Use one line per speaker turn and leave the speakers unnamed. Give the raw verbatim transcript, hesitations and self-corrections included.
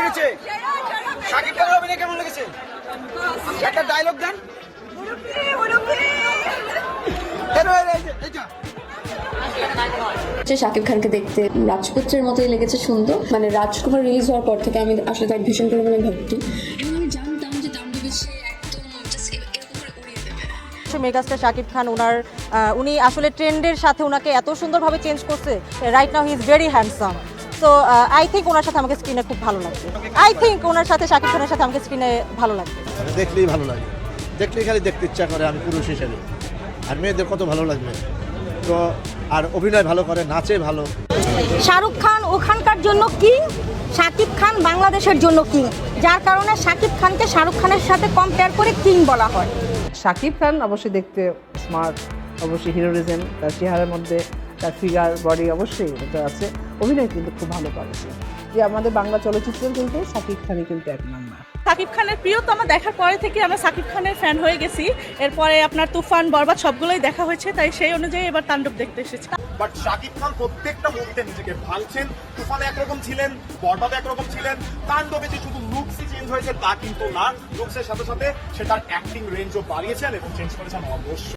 লেগেছে? শাকিব খানের অভিনয় কেমন লেগেছে? একটা ডায়লগ দেন।
শাকিব খানকে দেখতে রাজপুত্রের মতোই লেগেছে সুন্দর। মানে রাজকুমার রিলিজ হওয়ার পর থেকে আমি আসলে তার ভীষণ পরিমাণে ভক্তি এবং আমি জানতাম যে তাণ্ডবে সে একদম জাস্ট এরকম করে উড়িয়ে দেবে।
মেগাস্টার শাকিব খান ওনার উনি আসলে ট্রেন্ডের সাথে ওনাকে এত সুন্দরভাবে চেঞ্জ করছে। Right now he is very handsome. So I think ওনার সাথে আমাকে স্ক্রিনে খুব ভালো লাগবে। আই থিঙ্ক ওনার সাথে শাকিব খানের সাথে আমাকে স্ক্রিনে ভালো লাগবে।
দেখলেই ভালো লাগে, দেখলেই খালি দেখতে ইচ্ছা করে আমি পুরুষ হিসেবে। আর মেয়েদের কত ভালো লাগবে তো, আর অভিনয় ভালো করে, নাচে ভালো।
শাহরুখ খান ওখানকার জন্য কিং, শাকিব খান বাংলাদেশের জন্য কিং, যার কারণে শাকিব খানকে শাহরুখ খানের সাথে কম্পেয়ার করে কিং বলা হয়।
শাকিব খান অবশ্যই দেখতে স্মার্ট, অবশ্যই হিরোরিজম তার চেহারার মধ্যে, তার ফিগার বডি অবশ্যই এটা আছে। অভিনয় কিন্তু খুব ভালো করেছে। যে আমাদের বাংলা চলচ্চিত্রের কিন্তু শাকিব খানই কিন্তু এক নাম্বার।
শাকিব খানের প্রিয়তমা দেখার পরে থেকে আমরা শাকিব খানের ফ্যান হয়ে গেছি। এরপরে আপনার তুফান, বরবাদ সবগুলোই দেখা হয়েছে, তাই সেই অনুযায়ী এবার তাণ্ডব দেখতে এসেছি।
বাট শাকিব খান প্রত্যেকটা মুভিতে নিজেকে ভাঙছেন। তুফানে একরকম ছিলেন, বরবাদে একরকম ছিলেন, তাণ্ডবে যে শুধু লুকসই চেঞ্জ হয়েছে তা কিন্তু না, লুকসের সাথে সাথে সেটার অ্যাক্টিং রেঞ্জও বাড়িয়েছেন এবং চেঞ্জ করেছেন অবশ্যই।